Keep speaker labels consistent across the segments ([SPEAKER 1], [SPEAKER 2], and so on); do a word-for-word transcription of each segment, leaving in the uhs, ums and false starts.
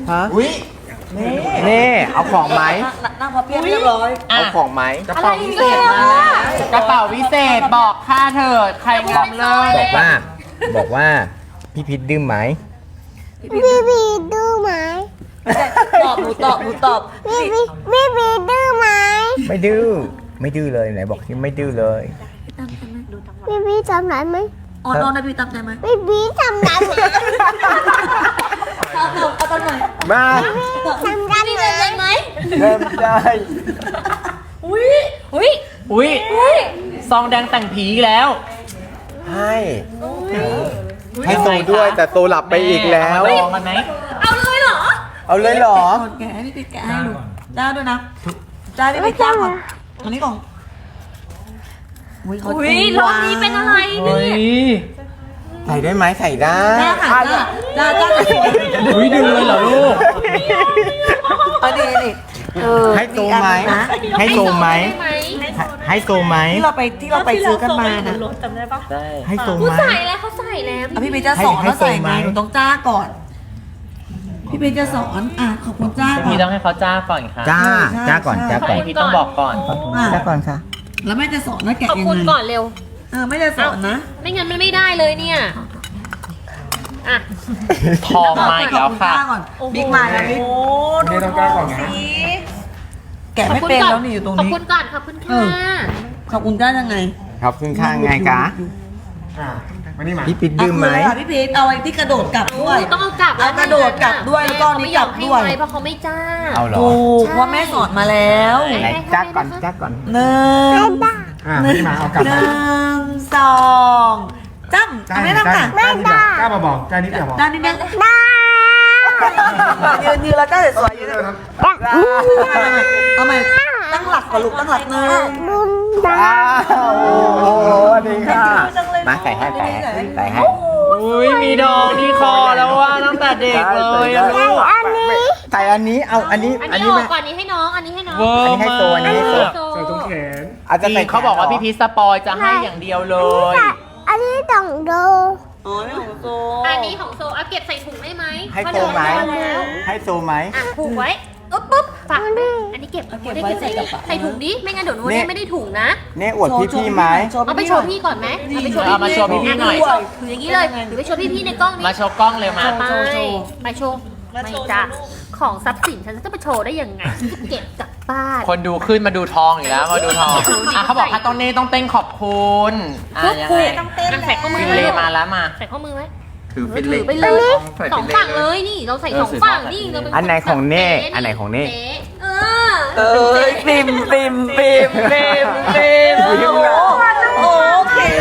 [SPEAKER 1] ฮะ
[SPEAKER 2] อุ้ย
[SPEAKER 1] นี่เอาของไหม
[SPEAKER 3] นั่งพับเพียบเรียบร้อย
[SPEAKER 1] เอาของไหม
[SPEAKER 2] กระเป๋าวิเศษมาแล้วกระเป๋าวิเศษบอกค่าเถิดใครงอมเลย
[SPEAKER 1] บอกว่า บอกว่าพี่พิษดื้อไหม
[SPEAKER 4] พี่พีดื้อไหม
[SPEAKER 3] ตอบหนูตอบหนูตอบ
[SPEAKER 4] พี่พีพี่พีดื้อไหม
[SPEAKER 1] ไม่ดื้อไม่ดื้อเลยไหนบอกที่ไม่ดื้อเลย
[SPEAKER 4] พี่พีทำไรไหม
[SPEAKER 3] อ่อนอ่อนนะพี่ตามใจไหม
[SPEAKER 4] พี่พีทำไรไหม
[SPEAKER 3] เอาเอาเอาตอนหน่อย
[SPEAKER 1] มา
[SPEAKER 4] ทำไรไหม
[SPEAKER 1] เริ่มได้
[SPEAKER 3] อุ้ยอุ้ย
[SPEAKER 2] อุ้ยซองแดงแต่งผีอีกแล้ว
[SPEAKER 1] ให้ให้โซด้วยแต่โซหลับไปอีกแล้ว
[SPEAKER 2] เอามาลองกันไหม
[SPEAKER 3] เอาเลยเหรอ
[SPEAKER 1] เอาเลยเหรอ
[SPEAKER 3] แกะให้พี่ปิ๊กแกะให้ดูจ้าด้วยนะจ้าพี่ปิ๊กจ้าก่อนอันนี้ก่อนอุ้ยเขา
[SPEAKER 5] อุ้ยรอบนี้เป็นอะไร
[SPEAKER 2] เฮ้ย
[SPEAKER 1] ใส่ได้ไหมใส่ได้
[SPEAKER 3] จ้าค่ะจ้าจ้าจ้าจะสวย
[SPEAKER 2] อุ้ยดึงเลยเหรอลูก
[SPEAKER 3] อันนี้นี่เออ
[SPEAKER 1] ให้โซไหมให้โซไหม
[SPEAKER 5] ได้ไหม
[SPEAKER 1] ให้โซไหม
[SPEAKER 3] ที่เราไปที่เราไปซื้อกันมานะ
[SPEAKER 5] จำได้ปะ
[SPEAKER 2] ได้
[SPEAKER 1] ให้โซ
[SPEAKER 5] กู
[SPEAKER 1] ไหม
[SPEAKER 5] ใส่แล้วเขาใส่แล้ว
[SPEAKER 3] อ่ะพี่ปิ๊กจะสอน
[SPEAKER 1] ให้
[SPEAKER 3] ว่าใส่
[SPEAKER 1] ให้
[SPEAKER 3] ไง
[SPEAKER 1] ส่งไหม
[SPEAKER 3] หนูต้องจ้าก่อน พี่ปิ๊กจะสอนอ่ะขอบคุณจ้าก่อ
[SPEAKER 2] พี่
[SPEAKER 3] น
[SPEAKER 2] ต้องให้เขาจ้าก่อนค่ะ
[SPEAKER 1] จ้าจ้าก่อนจ้าก่อน
[SPEAKER 2] พี่ต้องบอกก่อน
[SPEAKER 3] อ่ะ
[SPEAKER 1] จ้าก่อนค่ะ
[SPEAKER 3] แล้วแม่จะสอนว่าแกะ
[SPEAKER 5] ขอบ
[SPEAKER 3] ยัง
[SPEAKER 5] คุณ
[SPEAKER 3] ไง
[SPEAKER 5] ก่อนเร็ว
[SPEAKER 3] เออแม่จะสอนนะ
[SPEAKER 5] ไม่งั้นมันไม่ได้เลยเนี่ยอ่ะ
[SPEAKER 2] ทองมาอีกแล้วค่ะ
[SPEAKER 3] ขอบณจ้าก่อนบิ๊กมาแล้วบิ๊ก
[SPEAKER 2] ไม่ต้องกล้าก่อนนะ
[SPEAKER 3] แกะไม่เป็นแล้วนี่อยู่ตรง
[SPEAKER 5] ขอบ
[SPEAKER 3] นี้
[SPEAKER 5] คุณก่อนขอบคุณ
[SPEAKER 3] เอ
[SPEAKER 5] ค่ะ
[SPEAKER 3] อ ขอบคุณจ้ายังไง
[SPEAKER 1] ขอบคุณค่ะไงกะ
[SPEAKER 2] มานี่มา
[SPEAKER 1] พี่ปิดดื้อไหม
[SPEAKER 3] ะคือค่ะพี่พีทเอาไอ้ที่กระโดดกลับด้วย
[SPEAKER 5] ต้องเอากลับ
[SPEAKER 3] เอากระโดดกลับด้วยแล้วก็อันนี้กลับด้วย
[SPEAKER 5] แม่เขาไม่ยอมให้ไว้เพราะเขาไม่จ้า
[SPEAKER 1] เอาเหรอ
[SPEAKER 3] ถูกเพราะแม่สอนมาแล้ว
[SPEAKER 1] ไหนจ้าก่อนจ้าก่อน
[SPEAKER 3] หนึ่ง
[SPEAKER 2] อ่าพี่มาเอากลับ
[SPEAKER 3] หนึ่งสองจ้ำทำได้ทำค่ะ
[SPEAKER 4] ไม่ได้
[SPEAKER 2] กล้ามาบอกกล้านิดเดียวบอก
[SPEAKER 3] ด้านนี้เนี่ย
[SPEAKER 4] ได้
[SPEAKER 3] ยืนยืนแล้วก็สวยๆยืนเอาใหม่ตั้งหลักก่อนลูกตั้งหลักหนึ่ง
[SPEAKER 4] บุญได้
[SPEAKER 1] อ้าวโอ้โหดีค่ะมาใส่ให้ใส่ให้ใส่ให้
[SPEAKER 2] อุ้ยมีดองที่คอแล้วว่าตั้งแต่เด็กเลยอะลูก
[SPEAKER 4] อันนี้
[SPEAKER 1] ใส่อันนี้เอาอันนี้
[SPEAKER 5] อัน
[SPEAKER 1] อัน
[SPEAKER 5] นี้
[SPEAKER 1] นี้
[SPEAKER 5] อ
[SPEAKER 1] ไม่
[SPEAKER 5] อกก่อนนี้ให้น้องอันนี้ให้น้อง
[SPEAKER 2] เวอ
[SPEAKER 1] อัน
[SPEAKER 2] ร์
[SPEAKER 1] นี้ให้
[SPEAKER 2] มา
[SPEAKER 1] โซอันนี้ให้โซ
[SPEAKER 2] ก
[SPEAKER 5] โซ่
[SPEAKER 1] อาจจะ
[SPEAKER 2] จริ
[SPEAKER 1] ใส่
[SPEAKER 2] งเขาบอกว่าพี่พีชสปอยจะให้อย่างเดียวเลย
[SPEAKER 4] อันนี้ต้องดู
[SPEAKER 3] อ๋อนี่ของโซ
[SPEAKER 5] อันนี้ของโซเอาเก็บใส่ถุงได้ไหม
[SPEAKER 1] ให้โซไหม
[SPEAKER 5] เพราะเดี๋ยวเอาแล้ว
[SPEAKER 1] ให้โซไหม
[SPEAKER 5] อ่ะผูกไว้อุ๊บปุ๊บฝากอันนี้เก็บได้เก็บใส่ใส่ถุงดิไม่งั้นเดี๋ยวหนูเนี่ยไม่ได้ถุงนะ
[SPEAKER 1] เนี่ยอวดพี่พี่ไหม
[SPEAKER 5] เอาไปโชว์พี่ก่อนไหมเอาไปโชว์
[SPEAKER 2] เอามาโชว์พี่ๆหน่อย
[SPEAKER 5] ถืออย่างนี้เลยหรือไปโชว์พี่ๆในกล้องนี้
[SPEAKER 2] มาโชว์กล้องเลยมา
[SPEAKER 5] ไปไปโชว์ไม่จ้ะของทรัพย์สินฉันจะไปโชว์ได้ยังไงฉันจะเก็บกลับบ้าน
[SPEAKER 2] คนดูขึ้นมาดูทองอีกแล้วมาดูทองอ่ะเขาบอกค่ะตรงนี้ต้องเต้นขอบคุณอ่ะยังไง
[SPEAKER 5] ต้องเต้นใส่ข้อมือ
[SPEAKER 2] ฟิน
[SPEAKER 5] ไว้
[SPEAKER 2] เลมาแล้วมา
[SPEAKER 5] ใส่ข้อมือไว้
[SPEAKER 1] ถือ
[SPEAKER 5] เอ
[SPEAKER 1] ฟิ
[SPEAKER 5] อน
[SPEAKER 1] เล็
[SPEAKER 5] ถื
[SPEAKER 1] ก
[SPEAKER 5] อไปเลยสองฝั่งเลยนี่เราใส่สองฝั่งนี่เราเป็น
[SPEAKER 1] อันไหนของเน่อันไหนของเน่
[SPEAKER 5] เออ
[SPEAKER 3] เอ้ยปิมปิมปิมปิมปิมโอ้โหโอเคโอ้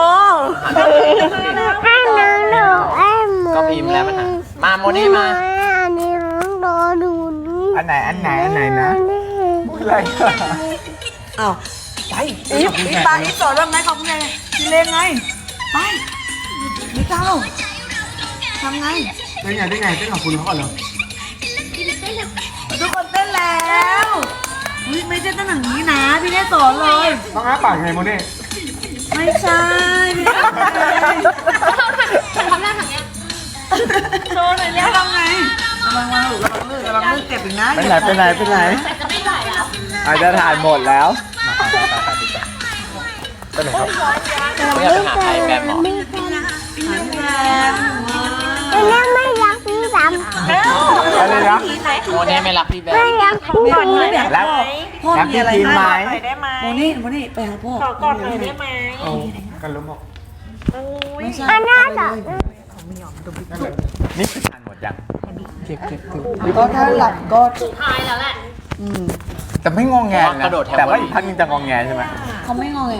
[SPEAKER 4] ให้น้องดูไอ้หมู
[SPEAKER 2] ก็พิมพ์แล้วมันอ่ะมาโมนี่มา
[SPEAKER 4] อันนี้น้องดูดูนี่
[SPEAKER 1] อันไหนอันไหนอันไหนนะอะไร
[SPEAKER 3] อ้าวไปอีฟอีฟปาอีฟสอนว่าไงของไงพี่เล่นไงไปไม่เก้าทำไง
[SPEAKER 2] ได้ไงได้ไงเต้นขอบคุณเขาก่อนเหรอ
[SPEAKER 3] ทุกคนเต้นแล้วอุ๊ยไม่ใช่เต้นอย่างนี้นะพี่เล่สอนเลย
[SPEAKER 2] ต้องอ้าปากไงโมเน่
[SPEAKER 3] ไม่ใช่พี่เล่
[SPEAKER 5] ทำหน้าทางเนี้ย
[SPEAKER 3] โชว์หน่อยแล้วทำไงระวังระวังระวังลื่นระวังลื่นเจ็บอีกนะ
[SPEAKER 1] ไปไหนไปไหนไปไหน
[SPEAKER 5] แต่จะไม่ไหวแล้ว
[SPEAKER 1] อาจจะถ่ายหมดแล้ว
[SPEAKER 2] ก็เลยครับไม่อยากไปหาใครแบบหมอ
[SPEAKER 4] พี่แซมอันนี้ไม่รักพี่แซม
[SPEAKER 1] อะไรนะ
[SPEAKER 2] โมเน่ไม่รักพี่แบ
[SPEAKER 4] ไม่
[SPEAKER 2] ม
[SPEAKER 4] รักพี่
[SPEAKER 3] พ่อ
[SPEAKER 4] แซม
[SPEAKER 3] เนี่ย
[SPEAKER 1] แล้ว
[SPEAKER 3] พ่อ
[SPEAKER 1] แล้ว
[SPEAKER 3] มี
[SPEAKER 1] พี่
[SPEAKER 3] อะไร
[SPEAKER 1] พิมพ์ไหม
[SPEAKER 3] โมนี่โมนี่ไปหาพ่อขอกอดหน่อยได้ไหม
[SPEAKER 2] กันล้มบอก
[SPEAKER 3] ไม่ใช่
[SPEAKER 4] อันนั้นเหรอ
[SPEAKER 1] นี่คือทานหมดยัง
[SPEAKER 3] ก็ถ้าหลับก็
[SPEAKER 5] สุดท้ายแล้วแหละ
[SPEAKER 3] อืม
[SPEAKER 1] แต่ไม่งงแงนะแต่ว่าอีกท่านนึงจะงงแงใช่ไหม
[SPEAKER 3] เขาไม่งอแง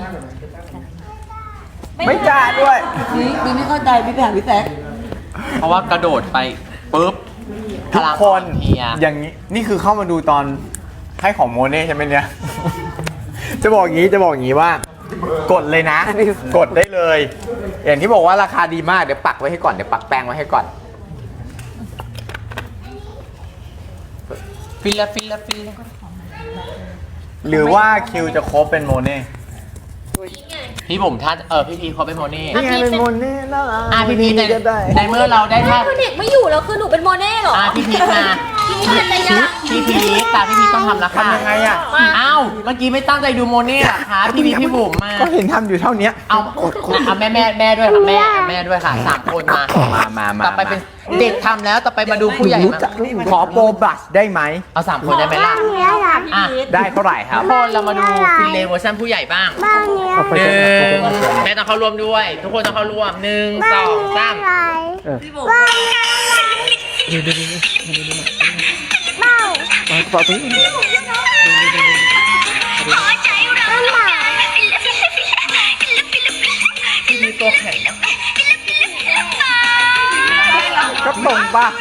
[SPEAKER 1] ไม่จ้าด้วย
[SPEAKER 3] นี่นี่ไม่เข้าใจพี่แผนพี่แซก
[SPEAKER 2] เพราะว่ากระโดดไปปุ๊บ
[SPEAKER 1] ทุกคน
[SPEAKER 2] เฮีย
[SPEAKER 1] อย่างนี้นี่คือเข้ามาดูตอนให้ของโมเน่ใช่ไหมเนี่ย จะบอกอย่างนี้จะบอกอย่างนี้ว่า กดเลยนะ กดได้เลย อย่างที่บอกว่าราคาดีมากเดี๋ยวปักไว้ให้ก่อนเดี๋ยวปักแป้งไว้ให้ก่อน
[SPEAKER 2] ฟิลละฟิลละฟิลละ
[SPEAKER 1] หรือว่าคิวจะครบเป็นโมเน่
[SPEAKER 2] พี่บุ๋มท่านเออพี่พีเขาเป็นโมเน่
[SPEAKER 1] นี่ไงเป็นโมเน่แล้ว
[SPEAKER 2] อ่ะพี่พีใน
[SPEAKER 1] ก็ได้
[SPEAKER 2] ในเมื่อเราได้
[SPEAKER 5] แม่
[SPEAKER 2] ท่า
[SPEAKER 5] คือเด็กไม่อยู่แล้วคือหนูเป็นโมเน่เหรอ
[SPEAKER 2] อ่ะพี่พีมา
[SPEAKER 5] พี่พีเป็นระยะ
[SPEAKER 2] พี่พีตาพี่พีต้องทำแล้วค่ะ
[SPEAKER 1] ทำยังไงอ่ะ
[SPEAKER 2] อ้าวเมื่อกี้ไม่ตั้งใจดูโมเน่เหรอคะพี่พีพี่บุ๋มมา
[SPEAKER 1] ก็เห็นทำอยู่เท่านี้
[SPEAKER 2] เอาเอาแม่แม่แม่ด้วยค่ะแม่แม่ด้วยค่ะสามคนมา
[SPEAKER 1] มามามา
[SPEAKER 2] ต่อไปเป็นเด็กทำแล้วต่อไปมาดูผู้ใหญ่
[SPEAKER 1] รู้
[SPEAKER 2] มา
[SPEAKER 1] จักขอโปรบัสได้ไหม
[SPEAKER 2] เอาสามคนได้ไหมล่ะ
[SPEAKER 4] เนี้ยหลับ
[SPEAKER 2] อ่ะ
[SPEAKER 1] ได้เท่าไหร่ครับ
[SPEAKER 2] ทุกคนเรามาดูฟินเลเวอร์ชันผู้ใหญ่บ้าง
[SPEAKER 4] บ้านเนี้ย
[SPEAKER 1] เอาไป
[SPEAKER 2] ห
[SPEAKER 1] ก่อน
[SPEAKER 2] นึ่ง
[SPEAKER 1] เอาไปก่อน
[SPEAKER 2] แม่ต้องเข้าร่วมด้วย ทุกคนต้องเข้าร่วมหนึ่งส
[SPEAKER 4] บ้าน
[SPEAKER 2] อง
[SPEAKER 4] เนี้ย
[SPEAKER 2] สาม
[SPEAKER 4] อะไร
[SPEAKER 3] พี่บุ๋ม
[SPEAKER 4] บ้านเนี้ยอะไรเบ้า
[SPEAKER 1] มาต่อตรงนี้
[SPEAKER 4] บ้านหมา
[SPEAKER 2] ที่มีตัวแข็งนะ
[SPEAKER 1] ก็ตรงป่ะ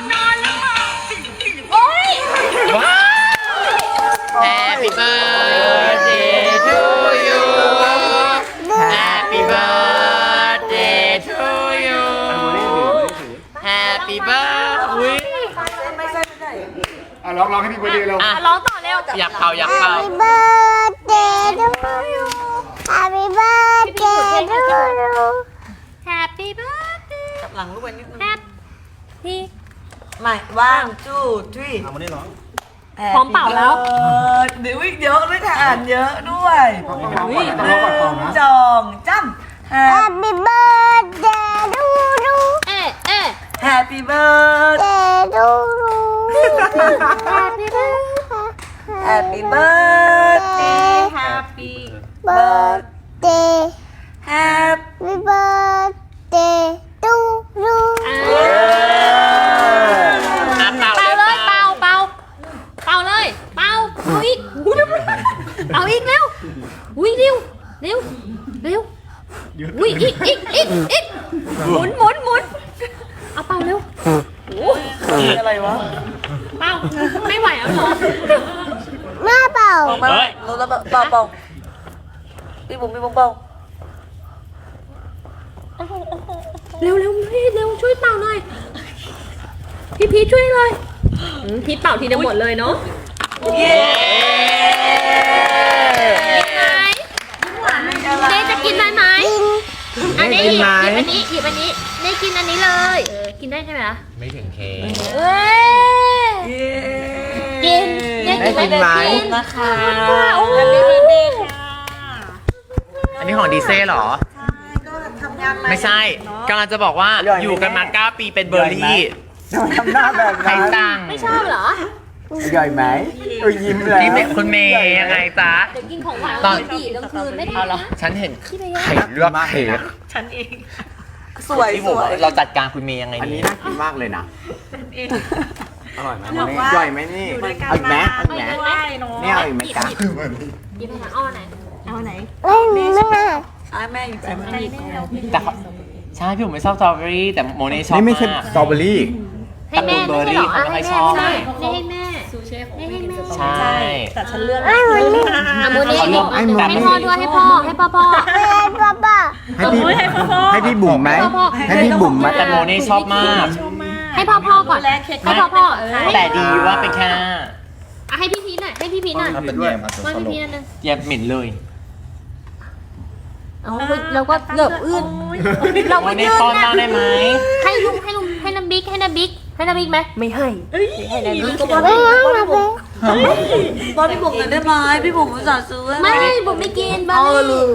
[SPEAKER 2] ว้าว Happy birthday to you Happy birthday to you Happy birthday
[SPEAKER 3] ไม่ใช่ไม่ใช่
[SPEAKER 6] อ่ะร้องร้องให้พี่เบอร์ดีเรา
[SPEAKER 2] อ่ะ
[SPEAKER 5] ร้องต่อเร็ว
[SPEAKER 2] อยากเป่าอยากเป่า
[SPEAKER 4] Happy birthday to you Happy birthday to you
[SPEAKER 5] Happy birthday
[SPEAKER 3] กลับหลังลูกไปนิดนึง
[SPEAKER 5] Happy
[SPEAKER 3] ไม่ว่างจู้ทรี
[SPEAKER 6] เอามานี่ร้อง
[SPEAKER 5] พร้อมเป่าแล้ว
[SPEAKER 3] เดี๋ยววิ่งเยอะด้วยค่ะอ่านเยอะด้วย
[SPEAKER 6] ต้องร้องก่อนต้องร้องก่อนเปล่านะ
[SPEAKER 3] จองจ้ำ
[SPEAKER 4] Happy birthday to you
[SPEAKER 5] เอ๊ะเอ๊ะ
[SPEAKER 3] Happy birthday
[SPEAKER 4] Happy to you Happy
[SPEAKER 3] Happy birthday
[SPEAKER 5] Happy
[SPEAKER 4] birthday
[SPEAKER 3] Happy
[SPEAKER 4] Happy birthday to you
[SPEAKER 2] อ่ะเป่า
[SPEAKER 5] เป่า
[SPEAKER 2] เล
[SPEAKER 5] เลย ย
[SPEAKER 2] เป่า
[SPEAKER 5] เป่าเป่าเป่าเลยเป่าเอาอีกอุ๊ยเอาอีกเร็วอุ้ยเร็วเร็วเร็วอุ้ยอีกอีกอีกอีกหมุนหมุนหมุนเอาเป่าเร็ว
[SPEAKER 3] อะไรวะ
[SPEAKER 5] เป่าไม่ไหวแล้วเหรอ
[SPEAKER 4] แม่เป่า
[SPEAKER 3] บอกมารู้แล้วเปล่าเปล่าเปล่าพี่บุ๋มพี่บุ๋มเปล่า
[SPEAKER 5] เร็วเร็วพี่เร็วช่วยเป่าหน่อยพี่พีชช่วยเลยอืมพีชเป่าทีเดียวหมดเลยเนาะ
[SPEAKER 3] เย้
[SPEAKER 5] เน่จะกินได้ไหมอันนี้หยิบหยิบอันนี้หยิบอันนี้เน่กินอันนี้เลยเออกินได้ใช่ไหมล่ะ
[SPEAKER 2] ไม่ถึงเค
[SPEAKER 5] เอ้ย
[SPEAKER 3] เย้
[SPEAKER 5] กินเน่กิน
[SPEAKER 1] ได้กินไหม
[SPEAKER 5] กิน
[SPEAKER 3] นะคะ
[SPEAKER 5] โอ้ย
[SPEAKER 2] อันนี้ของดีเซ่เหรอ
[SPEAKER 3] ก็ทำงาน
[SPEAKER 2] ไม่ใช่กำลังจะบอกว่าอยู่กันมาเก้าปีเป็นเบอร์รี่
[SPEAKER 1] ทำไมทำหน้าแบบ
[SPEAKER 2] ใคร
[SPEAKER 1] นั้น
[SPEAKER 2] ตัง
[SPEAKER 5] ไม่ชอบเหรอ
[SPEAKER 1] ใหญ่ไหมเออยิ้มแล้ว
[SPEAKER 2] นี่เป็นคุณเมย์ยังไงจ๊ะ
[SPEAKER 5] เดี๋ยวกินของหวาน
[SPEAKER 2] ตอน
[SPEAKER 5] ดีกลางคืนไม่ได้นะ
[SPEAKER 2] ฉันเห็น
[SPEAKER 5] ที่ไป
[SPEAKER 2] ไข่เลือกเค้ก
[SPEAKER 3] สวย
[SPEAKER 2] ที่
[SPEAKER 3] ส
[SPEAKER 2] ผม
[SPEAKER 3] วย
[SPEAKER 2] เราจัดการคุณเมย์ยังไง
[SPEAKER 1] อันนี้
[SPEAKER 2] ดี
[SPEAKER 1] น่ากินมากเลยนะ
[SPEAKER 6] อร่อยไหม
[SPEAKER 1] อันนี้ใหญ่ไหมนี่เอาอีกไหมเอาอีกไหมนี่เอาอีกไหมจ๊ะ
[SPEAKER 5] หยิบไปทางอ้อไหน
[SPEAKER 4] เล่นแม่
[SPEAKER 3] อ่ะแม่อยู่ใจแม่
[SPEAKER 2] แต่เขาใช่พี่ผมไม่ชอบสตรอเบอรี่แต่โมเน่ชอบ
[SPEAKER 1] นี่ไม่ใช่
[SPEAKER 2] มาก
[SPEAKER 1] สตรอเบอรี่
[SPEAKER 5] ให้แม่ไม่ใช่เหรอ
[SPEAKER 2] เขาไม่ค่อยชอบ
[SPEAKER 5] ให้แม่ให้แม่ให้แม่
[SPEAKER 2] ใช่
[SPEAKER 4] ไอ้วันนี้
[SPEAKER 5] อ่ะโมเน่
[SPEAKER 2] เขาเลือก
[SPEAKER 1] ไอ้หมอ
[SPEAKER 5] ให้พ่อด้วยให้พ่อให้พ่อพ่อ
[SPEAKER 4] เป็นป้าป้า
[SPEAKER 1] ให้พี่ให้พี่บุ๋มไหม
[SPEAKER 5] พ่อพ่อ
[SPEAKER 1] ให้พี่บุ๋มไหม
[SPEAKER 2] แต่โมเน่ชอบมาก
[SPEAKER 5] ให้พ่อพ่อก่อนให้พ่อพ่อเออ
[SPEAKER 2] แต่ดีว่าเป็นแค่หน้า
[SPEAKER 5] อ่ะให้พี่พีชหน่อยให้พี่พีชหน่อย
[SPEAKER 6] เป็นแย่มา
[SPEAKER 5] ว่าพี่พีชอันนึง
[SPEAKER 2] อย่าเหม็นเลย
[SPEAKER 5] เอาเราก็เหลือบอื้นเรา
[SPEAKER 2] โม
[SPEAKER 5] ก็
[SPEAKER 2] เน่
[SPEAKER 5] ยืน
[SPEAKER 2] ป้อน
[SPEAKER 5] นะ
[SPEAKER 2] บ้างได้ไหม
[SPEAKER 5] ให้ลุงให้ลุงให้น้ำบิ๊กให้น้ำบิ๊กให้น้ำบิ๊กไหมไม่ให้ให้น้ำบิ๊กก็
[SPEAKER 4] ไม่ยังมาเป็น
[SPEAKER 3] บอลพี่บุ๋มหน่อยได้ไหมพี่บุ๋มอุตส่าห์ซื้อ
[SPEAKER 5] ไม่ผมไม่กินบ้า
[SPEAKER 3] เออลืม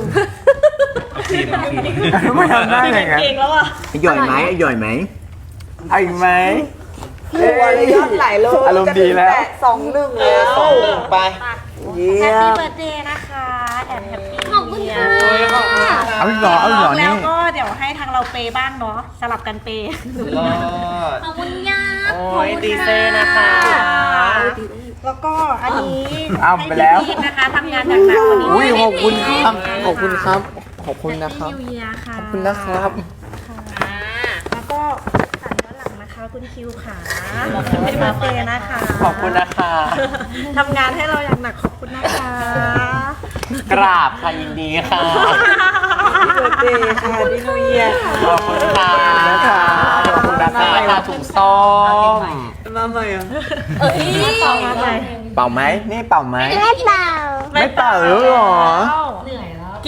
[SPEAKER 1] ไม่ทำได้ไงงั้นหย่อยไหมหย่อยไหมเอาอีกไหม
[SPEAKER 3] ดูอะไรยอดไหลเลย
[SPEAKER 1] อารมณ์ดีแล้ว
[SPEAKER 3] จะถึงปดสองหนึ่งแล้ว
[SPEAKER 2] สองหนึ่งไป
[SPEAKER 3] เยี่ยม
[SPEAKER 5] เบิร์ดเดย์นะคะแอนแฮปปี้ขอบคุณค่ะ
[SPEAKER 1] เอาอีกเหรอเอาอีกเหรอนี่
[SPEAKER 7] แล้วก็เดี๋ยวให้ทางเราเปย์บ้างเนาะสลับกันเปย์
[SPEAKER 2] รอด
[SPEAKER 5] ขอบคุณยา
[SPEAKER 2] โอ้ยดีเซ่นะคะ
[SPEAKER 7] แล้วก็อันนี้
[SPEAKER 1] เอาไปแล้ว
[SPEAKER 7] ให้พี่พีชนะคะทำงานหนักๆวันนี้
[SPEAKER 1] อุ้ยขอบคุณครับขอบคุณครับ ขอบคุณนะครับ
[SPEAKER 7] นิวเยียค่ะ
[SPEAKER 1] ขอบคุณนะครับ
[SPEAKER 7] แล้วก็สายย้อนหลังนะคะคุณคิวค่ะเป็นมาเปย์นะคะ
[SPEAKER 2] ขอบคุณนะคะ
[SPEAKER 7] ทำงานให้เราอย่างหนักขอบคุณนะคะ
[SPEAKER 2] กราบค่ะยินดีค่ะ
[SPEAKER 3] เบิร์ดเดย์ค่ะพี่นิวเยียร์ค่ะ
[SPEAKER 2] ขอบคุณค่ะ
[SPEAKER 1] ขอบคุณนะคะ
[SPEAKER 2] ค่ะถุงส้ม
[SPEAKER 3] มาใหม่เหรอ
[SPEAKER 5] เอ้ย
[SPEAKER 7] ต่อมาไป
[SPEAKER 1] เป่าไหมนี่เป่าไหม
[SPEAKER 4] ไม่เป่า
[SPEAKER 1] ไม่เป่าแล้วเหรอ
[SPEAKER 7] เหนื่อยแล้ว
[SPEAKER 3] กิน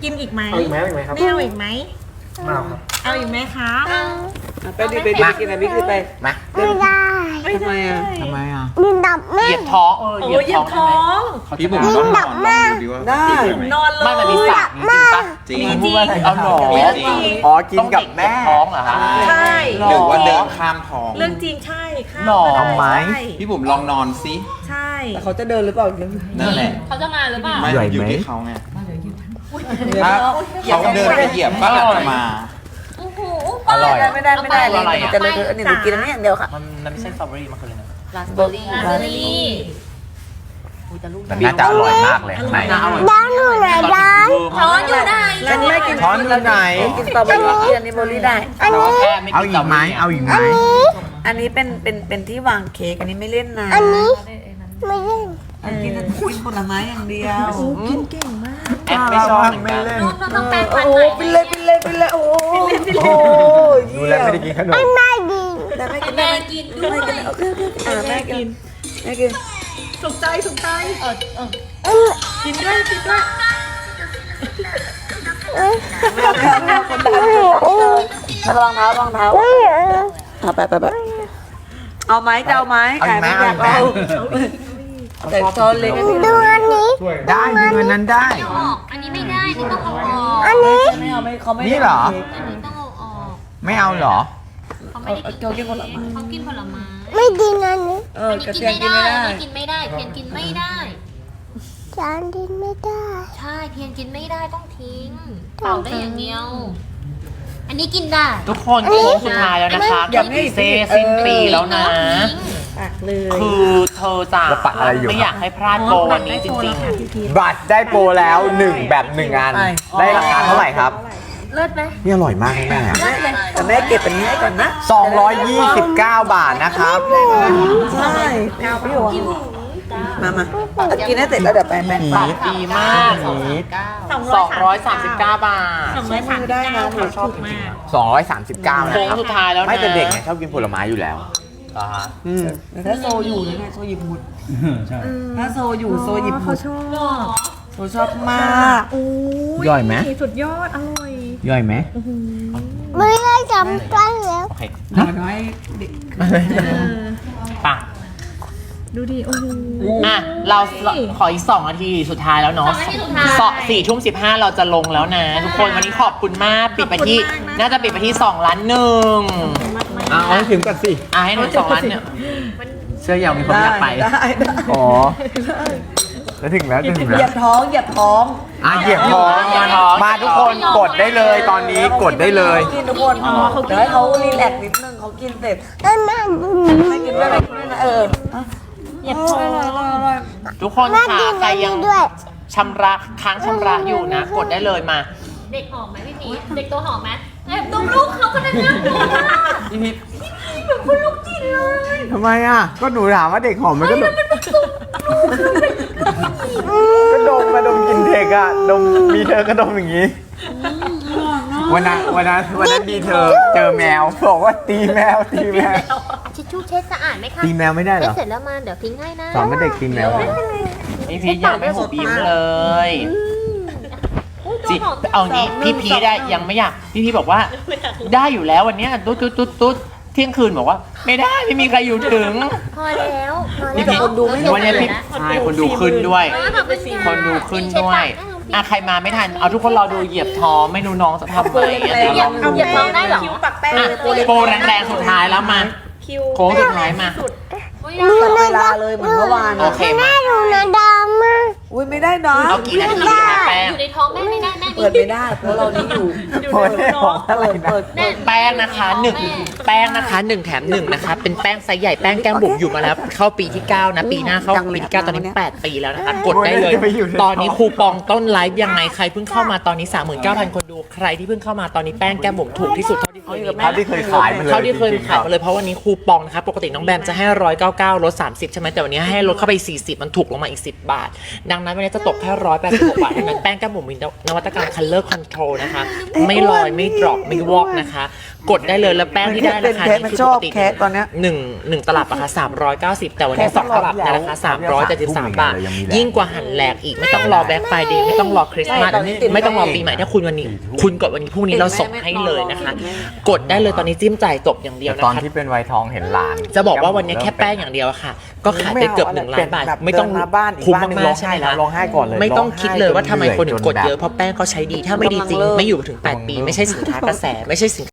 [SPEAKER 7] กินอีกไหม
[SPEAKER 6] เอาอีกไหมเอาอีกไหมครับ
[SPEAKER 7] ไม่เอาอีกไหม
[SPEAKER 6] มาครับ
[SPEAKER 7] เอาอีกไหมครับ
[SPEAKER 3] ไปดิไปดิไปกินอะไรพี่คือไป
[SPEAKER 1] มา
[SPEAKER 4] ไม่ได้
[SPEAKER 3] ทำไมอ่ะ
[SPEAKER 1] ทำไมอ่ะ
[SPEAKER 4] ดินดับ
[SPEAKER 2] เห
[SPEAKER 4] แม่
[SPEAKER 2] ยียบท้องเออ
[SPEAKER 7] โอ้
[SPEAKER 2] เหยียบ
[SPEAKER 7] ยเหยี
[SPEAKER 2] ท้
[SPEAKER 7] ย
[SPEAKER 2] อบ ง
[SPEAKER 7] ท้อง
[SPEAKER 6] พี่บุ๋มต้องนอนลองดูดิว่า
[SPEAKER 3] ได้
[SPEAKER 7] นอนเลย
[SPEAKER 2] ไม่มันมีสระจริงจริงปะ
[SPEAKER 6] จริง
[SPEAKER 2] เอาหรอ
[SPEAKER 7] จริง
[SPEAKER 1] อ๋อกินกับแม่
[SPEAKER 2] ต้องเด็เหยียบท้องเหรอคะ
[SPEAKER 7] ใช่
[SPEAKER 2] หรือว่าเดิน
[SPEAKER 6] ข้ามท้อง
[SPEAKER 7] เรื่องจริงใช่ค่ะ
[SPEAKER 2] หรอ
[SPEAKER 1] ทำไม
[SPEAKER 7] ใช่
[SPEAKER 6] พี่บุ๋มลองนอนสิ
[SPEAKER 7] ใช่
[SPEAKER 3] แต่เขาจะเดินหรือเปล่า
[SPEAKER 6] นั่นแหละ
[SPEAKER 5] เขาจะมาหรือเปล่า
[SPEAKER 6] ไม่
[SPEAKER 1] ใหญ่ไหม
[SPEAKER 6] อยู่ที่เขาไง
[SPEAKER 3] เดี๋ยว
[SPEAKER 6] ถ้า
[SPEAKER 3] เรา
[SPEAKER 6] เขาเดินไปเหยียบก็อาจจะมา
[SPEAKER 5] โอ้โห
[SPEAKER 1] อร่อย
[SPEAKER 3] ไม่ได้ไม่ได้ไม่ได้เลยจะเลยอันนี้หนูกินอันนี้อย่างเดียวค่ะ
[SPEAKER 2] มันมันไม่ใช่สตรอเบอรี่มันคืออะไรนะ
[SPEAKER 5] ราสเบอร์รี่ราสเบอร์รี่
[SPEAKER 1] แต่น่าจะอร่อยมากเลยข้างใน
[SPEAKER 2] น่าอร่อย
[SPEAKER 4] ด้านหนูไหนด้าน
[SPEAKER 5] ช้อนอยู่ไหน
[SPEAKER 3] อันนี้ไม่กิน
[SPEAKER 1] ช้อนอยู่ไหน
[SPEAKER 3] กินสตรอเบอรี่กินอันนี้เบอร์รี่ได้
[SPEAKER 2] แต่ว่าแค่ไม่
[SPEAKER 1] เอา
[SPEAKER 2] กิน
[SPEAKER 1] อีกไหมเอาอีกไหม
[SPEAKER 3] อันนี้เป็นเป็นเป็นที่วางเค้กอันนี้ไม่เล่นนะ
[SPEAKER 4] อันนี้ไม่เล่น
[SPEAKER 3] อันกินคุยผลไม้อย่างเดียวกินเก่งมาก
[SPEAKER 2] แอปไม่ชอบเหมือนกัน
[SPEAKER 5] น้องต้องแปรงฟัน
[SPEAKER 3] โอ้
[SPEAKER 5] ใหม่
[SPEAKER 3] เป็นเลยเป็นเลยเป็นเลยโอ้โห
[SPEAKER 1] ดูแลไม่ได้กินขนม
[SPEAKER 4] ไม่ดี
[SPEAKER 3] แต่ไม่กิน
[SPEAKER 5] แม่กินด้วย
[SPEAKER 3] โอเคโอเคอ่าแม่กินแม่กิน
[SPEAKER 7] ถูกใจถูกใจ
[SPEAKER 5] เออเออ
[SPEAKER 7] กินด้วยกินด้วย
[SPEAKER 3] แม่แม่แม่คนดังระวังเท้าระวังเท้าอ่ะไปไปไปเอาไหมจะเอาไหม
[SPEAKER 1] เอาอีกไหมเอาอีกไหม
[SPEAKER 3] แต่ซอนเล็ก
[SPEAKER 4] ดูอันนี้
[SPEAKER 1] ได้ดึงอันนั้นได้
[SPEAKER 5] เอาออกอันนี้ไม่ได้นี่ต้องเอาออก
[SPEAKER 4] อันนี้
[SPEAKER 3] ไม่เอาไม่เขาไม่
[SPEAKER 1] นี่เหรอ
[SPEAKER 5] อันนี้ต้องเอาออก
[SPEAKER 1] ไม่เอาเหรอ
[SPEAKER 5] เขาไม่ได้กิน
[SPEAKER 3] เขากินผลไม้
[SPEAKER 5] เขากินผลไม้
[SPEAKER 4] ไม่ดีอันนี้
[SPEAKER 3] เออ
[SPEAKER 5] อัน
[SPEAKER 3] กระ
[SPEAKER 5] นี้กิ
[SPEAKER 3] เที
[SPEAKER 5] น
[SPEAKER 3] ยม
[SPEAKER 5] ไม่
[SPEAKER 3] กิน
[SPEAKER 5] ได้
[SPEAKER 3] ไม่ได้
[SPEAKER 5] อันนี้กินไม่ได้เทียนกินไม่ได้
[SPEAKER 4] จานดินไม่ได้
[SPEAKER 5] ใช่เทียนกินไม่ได้ต้องทิ้งเป่าได้อย่างเดียว อันนี้กินได้
[SPEAKER 2] ทุกคนโค้งสุดท้ายแล้วนะคะเซสิ้นปีแล้วนะ
[SPEAKER 3] ตักเลย
[SPEAKER 2] คือเธอจ้ะ
[SPEAKER 1] แล้วปักอะไรอยู่
[SPEAKER 2] ไม่อยากให้พลาดโปรวันนี้จริง
[SPEAKER 1] บัตรได้โปรแล้วหนึ่งแบบหนึ่งอัน ได้ราคาเท่าไหร่ครับ
[SPEAKER 5] เลิศไหม
[SPEAKER 1] นี่อร่อยมากแม่
[SPEAKER 3] แต่แม่เก็บอันนี้ให้ก่อนนะ
[SPEAKER 1] สองร้อยยี่สิบเก้าบาทนะครับ
[SPEAKER 3] ใช่พี่บอกมามากินให้เสร็จแล้วเดี๋ยวไปแม่
[SPEAKER 1] ผี
[SPEAKER 3] ฝาก
[SPEAKER 2] ๆ ดีมาก
[SPEAKER 7] สอง
[SPEAKER 2] สองร้อยสามสิบเก้าบาท
[SPEAKER 7] สองร้อยสามสิบเก้าค่ะถูกมาก
[SPEAKER 1] สองร้อยสามสิบเก้านะ
[SPEAKER 2] โค้ง
[SPEAKER 1] ครับ
[SPEAKER 2] สุดท้ายแล้วนะ
[SPEAKER 1] ไม่แต่เด็กเนี่ยชอบกินผลไม้อยู่แล้ว
[SPEAKER 2] อ่าฮะ
[SPEAKER 1] อืม
[SPEAKER 3] แต่ถ้าโซอยู่นะไงโซหยิบหมดถ้าโซอยู่โซหยิบหมด
[SPEAKER 7] ชอบ
[SPEAKER 3] โซชอบมาก
[SPEAKER 7] โอ้ย
[SPEAKER 1] ย่อยไหม
[SPEAKER 7] สุดยอด อร่อย
[SPEAKER 1] ย่อยไหม
[SPEAKER 4] ไม่ได้จำได้แล้ว
[SPEAKER 2] โอเค
[SPEAKER 3] น้อยเด็ก
[SPEAKER 2] ป่ะ
[SPEAKER 7] ดูดิ โอ้โห
[SPEAKER 2] อ่ะ เราขออีกสองนาทีสุดท้ายแล้วเนาะ
[SPEAKER 5] สองนาทีสุดท้าย
[SPEAKER 2] สองสี่ทุ่มสิบห้าเราจะลงแล้วนะ ทุกคนวันนี้ขอบคุณมากปิดไปที่ น่าจะปิดไปที่สองล้านหนึ่ง
[SPEAKER 1] เอาให้ถึงก่อนสิ
[SPEAKER 2] อ่ะให้หนึ่งสองล้านเนี่ยเสื้อยาวมีคนอยากไป
[SPEAKER 3] ได้ได้
[SPEAKER 1] อ๋อแล้วถึงแล้วถึง
[SPEAKER 3] เห
[SPEAKER 1] แล้
[SPEAKER 3] ยียว บท้องเหยียบท้อง
[SPEAKER 1] อ่ะเหยียบท้อง
[SPEAKER 2] เหยียบท้อง
[SPEAKER 1] มาทุกคนกดได้เลยตอนนี้กดได้เลย
[SPEAKER 3] กินทุกคนเดี๋ยวให้เขารีแลกซ์นิดนึงเขากินเสร็จ
[SPEAKER 4] แม่แม่ดู
[SPEAKER 3] ไม่กินด้วยไม่กินด้วยนะเออ
[SPEAKER 7] เหยียบท้อง
[SPEAKER 2] ทุกคน
[SPEAKER 4] แม่
[SPEAKER 2] ค่ะ
[SPEAKER 4] กิน
[SPEAKER 2] ใคร
[SPEAKER 4] อัน
[SPEAKER 2] ยั
[SPEAKER 4] นี้
[SPEAKER 2] ง
[SPEAKER 4] ด้วย
[SPEAKER 2] ชำระค้างชำระอยู่นะ กดได้เลยมา
[SPEAKER 5] เด็กหอมไหมพี่พีชเด็กตัวหอมไหมแอบดมลูกเขาขนาดนั้นเลยอะ
[SPEAKER 2] พี่พิพ
[SPEAKER 5] เหมือนคุณลูกจินเลย
[SPEAKER 1] ทำไมอ่ะ ก็หนูถามว่าเด็กหอมมันก็ดมก็ดมมาดมกินเทคอะดมมีเธอก็ดมอย่างนี้ วันนั้นวันนั้นวันนั้นดีเธอเจอแมวบอกว่าตีแมวตีแมว
[SPEAKER 5] ทิชชู่เช็ดสะอาดไหมคะ
[SPEAKER 1] ตีแมวไม่ได้เหร
[SPEAKER 5] เช็ด
[SPEAKER 1] อ
[SPEAKER 5] เสร็จแล้วมาเดี๋ยวทิ้งให้นะ
[SPEAKER 1] สอนว่าเด็กตีแมวได้
[SPEAKER 2] พี่พีชยังไม่หุบยิ้มเลย
[SPEAKER 5] อุ๊ย
[SPEAKER 2] จิ
[SPEAKER 5] ตัวหอมจัง
[SPEAKER 2] เอางี้พี่พีชได้ยังไม่อยากพี่พีชบอกว่า ได้อยู่แล้ววันเนี้ยตุ๊ดตุ๊ดตุ๊ดตุ๊ดเที่ยงคืนบอกว่า ไม่ได้ไม่มีใครอยู่ถึง
[SPEAKER 5] พอแล้วพอ
[SPEAKER 2] พี่
[SPEAKER 5] แล้ว
[SPEAKER 2] พีชวันนี้พี่ใช่คนดูขึ้นด้วย
[SPEAKER 5] เออขอบณะ
[SPEAKER 2] คนดูขึ้นด้วยอ่ะใครมาไม่ทันเอาทุกคนรอดูเหยียบท้องไม่รู้น้องจะทำไหมอ่ะ
[SPEAKER 5] เหยียบ
[SPEAKER 2] ลอง
[SPEAKER 5] เหยียบท้องได้เหรอ
[SPEAKER 7] คิ้วปักแป้ง
[SPEAKER 2] อ่ะ
[SPEAKER 7] เลย
[SPEAKER 2] โปรแรงๆสุดท้ายแล้วมา
[SPEAKER 7] คิ้ว
[SPEAKER 2] โค้งสุดท้ายมา
[SPEAKER 5] อุ๊ย
[SPEAKER 3] ตัดเวลาเลยเหมือนเมื่อวาน
[SPEAKER 2] โอเคมา
[SPEAKER 4] แม่ดูนะดำมา
[SPEAKER 3] อุ้ยไม่ได้นะ
[SPEAKER 2] เอากี่นาทีนะแป้ง
[SPEAKER 5] อยู่ในท้องแม่ไม่ได้แม่
[SPEAKER 3] เปิดไม่ได้เพราะเรานี่อยู่
[SPEAKER 1] โอ้ยหอมอะไร
[SPEAKER 3] เปิด
[SPEAKER 1] นะ
[SPEAKER 3] เปิด
[SPEAKER 2] แป้งนะคะหนึ่งแป้งนะคะหนึ่งแถมหนึ่งนะคะเป็นแป้งไซส์ใหญ่แป้งแก้มบุ๋มอยู่มาแล้วเข้าปีที่เก้านะปีหน้าเข้าปีที่เก้าตอนนี้แปดปีแล้วนะคะกดได้เลย ตอนนี้คูปองต้นไลฟ์ยังไงใครเพิ่งเข้ามาตอนนี้ สามหมื่นเก้าพัน คนดูใครที่เพิ่งเข้ามาตอนนี้แป้งแก้มบุ๋มถูกที่สุดเท่าที่เคยมี
[SPEAKER 1] เท่าที่เคยขายมาเลย
[SPEAKER 2] เท่าที่เคย
[SPEAKER 1] จริงๆ
[SPEAKER 2] ขายมาเลยเพราะวันนี้คูปองนะคะปกติน้องแบมจะให้หนึ่งร้อยเก้าสิบเก้าลดสามสิบใช่ไหมแต่วันนี้ให้ลดเข้าไปสี่สิบมันถูกลงมาอีกสิบบาทดังนั้นดังนั้นวันนี้จะตกแค่ร้อยแปดสิบหกบาทเท่านั้นแป้งแก้มบุ๋มมีนวัตกรรม color control นะคะ ไม่ลอยไม่ดรอปไม่วอกนะคะ กดได้เลยแล้วแป้งที่ได้ราคานี้คือปกติ
[SPEAKER 3] แคะตอนเนี้ย
[SPEAKER 2] หนึ่งหนึ่งตลับราคาสามร้อยเก้าสิบแต่วันนี้สองตลับในราคาสามร้อยเจ็ดสิบสามบาท ยิ่งกว่าหันแหลกอีกไม่ต้องรอแบ็คไฟเดย์ไม่ต้องรอคริสต์มาสไม่ต้องรอปีใหม่ถ้าคุณวันนี้ คุณกดวันนี้พรุ่งนี้เราส่งให้เลยนะคะ กดได้เลยตอนนี้จิ้มจ่ายจบอย่างเดียว
[SPEAKER 1] แต่
[SPEAKER 2] นะ
[SPEAKER 1] ตอน
[SPEAKER 2] คะ
[SPEAKER 1] ที่เป็นไวท์ทองเห็นหลาน
[SPEAKER 2] จะบอกว่าวันนี้แค่แป้งอย่างเดียวอะค่ะ ก็ขายไปเกือบหนึ่งล้านบาท
[SPEAKER 3] แบบ
[SPEAKER 2] ไม่ต้อง
[SPEAKER 3] เดินมาบ้านอีก
[SPEAKER 2] คุ้ม
[SPEAKER 3] บ้านหนึ่ง
[SPEAKER 2] มาก
[SPEAKER 3] ร้อง
[SPEAKER 2] ๆ
[SPEAKER 3] ไห้
[SPEAKER 2] ใช่
[SPEAKER 3] แล้ว
[SPEAKER 2] ค่ะ
[SPEAKER 3] ร้องไห้ก่อนเลย
[SPEAKER 2] ไม่ต้องคิดเลยว่าทำไมคนถึงกดเยอะ
[SPEAKER 1] จนแบบ
[SPEAKER 2] เพราะแป้งเขาใช้ดีถ้าไม่ดีจริง ไม่อยู่ถึงแปดปีไม่ใช่สินค้ากระแสไม่ใช่สิน